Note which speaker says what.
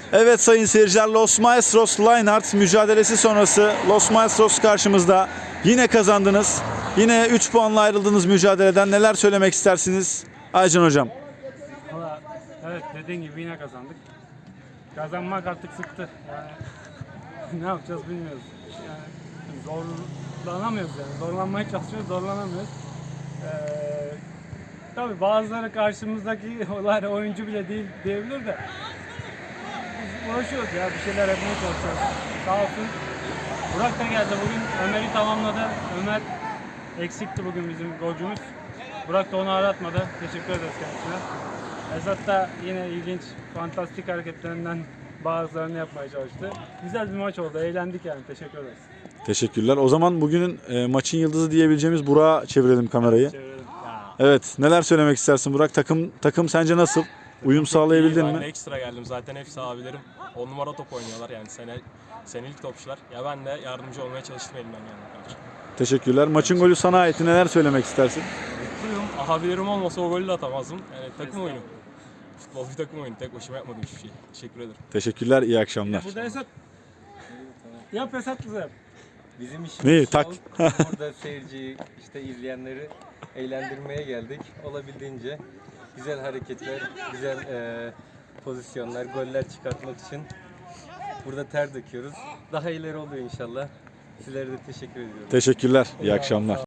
Speaker 1: Evet sayın seyirciler, Los Maestros Lineart mücadelesi sonrası Los Maestros karşımızda. Yine kazandınız. Yine 3 puanla ayrıldınız mücadeleden. Neler söylemek istersiniz Aycan hocam?
Speaker 2: Valla evet, dediğin gibi yine kazandık. Kazanmak artık sıktı. Yani ne yapacağız bilmiyoruz. Yani zorlanamıyoruz yani. Zorlanmaya çalışıyoruz, zorlanamıyoruz. Tabii bazıları karşımızdaki oyuncu bile değil diyebilir de biz uğraşıyoruz ya, bir şeyler yapmaya çalışıyoruz. Sağ olsun Burak da geldi bugün, Ömer'i tamamladı. Ömer eksikti bugün bizim golcümüz. Burak da onu aratmadı. Teşekkür ederiz kendisine. Esat da yine ilginç, fantastik hareketlerinden bazılarını yapmaya çalıştı. Güzel bir maç oldu, eğlendik yani. Teşekkür ederiz.
Speaker 1: Teşekkürler. O zaman bugünün maçın yıldızı diyebileceğimiz Burak'a çevirelim kamerayı.
Speaker 2: Çevirelim.
Speaker 1: Evet, neler söylemek istersin Burak? Takım sence nasıl? Uyum sağlayabildin
Speaker 3: Ben
Speaker 1: mi?
Speaker 3: de ekstra geldim. Zaten hepsi abilerim. 10 numara top oynuyorlar yani senelik topçular. Ya ben de yardımcı olmaya çalıştım elimden geldiği kadar.
Speaker 1: Teşekkürler. Maçın golü sana ait. Neler söylemek istersin?
Speaker 3: Mutluyum. Abilerim olmasa o golü de atamazdım. Yani takım oyunu. Futbol bir takım oyunu. Tek başıma yapmadım hiçbir şey. Teşekkür ederim.
Speaker 1: Teşekkürler, iyi akşamlar.
Speaker 2: Burada Esat. Yap Esat bize yap.
Speaker 4: Bizim işimiz
Speaker 1: Neyi? Tak.
Speaker 4: burada seyirciyi, işte izleyenleri eğlendirmeye geldik. Olabildiğince güzel hareketler, güzel pozisyonlar, goller çıkartmak için burada ter döküyoruz. Daha ileri oluyor inşallah. Sizlere de teşekkür ediyorum.
Speaker 1: Teşekkürler, iyi akşamlar.